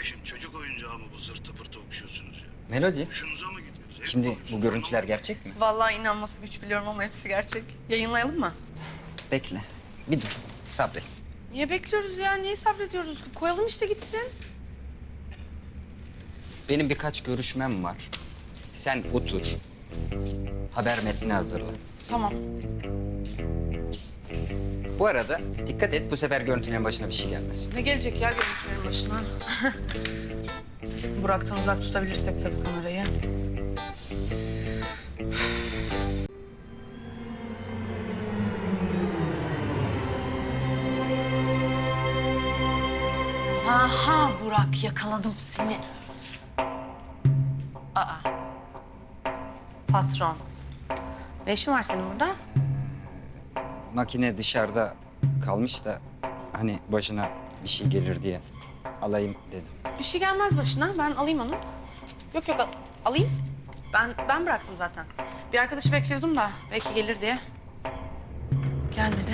Kardeşim çocuk oyuncağı mı bu zırtı pırtı okşuyorsunuz ya? Melodi, Hoşunuza mı gidiyoruz? şimdi bu görüntüler gerçek mi? Vallahi inanması güç biliyorum ama hepsi gerçek. Yayınlayalım mı? Bekle, bir dur, sabret. Niye bekliyoruz ya? Niye sabrediyoruz? Koyalım işte gitsin. Benim birkaç görüşmem var. Sen otur, haber metni hazırla. Tamam. Bu arada dikkat et, bu sefer görüntülerin başına bir şey gelmesin. Ne gelecek ya görüntülerin başına? Burak'tan uzak tutabilirsek tabii kamerayı. Aha Burak, yakaladım seni. Aa. Patron. Ne işin var senin burada? Makine dışarıda kalmış da hani başına bir şey gelir diye alayım dedim. Bir şey gelmez başına. Ben alayım onu. Yok yok alayım. Ben bıraktım zaten. Bir arkadaşı bekliyordum da belki gelir diye. Gelmedi.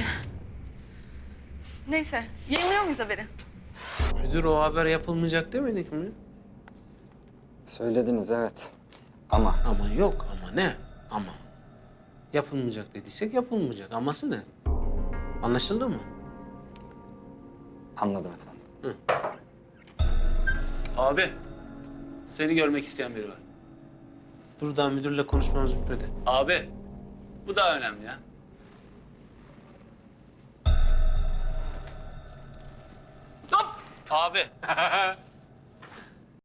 Neyse. Yayınlıyor muyuz haberi? Müdür o haber yapılmayacak demedik mi? Söylediniz evet ama Ama yok ama ne? Ama. Yapılmayacak dediysek yapılmayacak. Aması ne? Anlaşıldı mı? anladım efendim. Abi, seni görmek isteyen biri var. Dur daha müdürle konuşmamız bitmedi. Abi, bu daha önemli ya. Hop! Abi,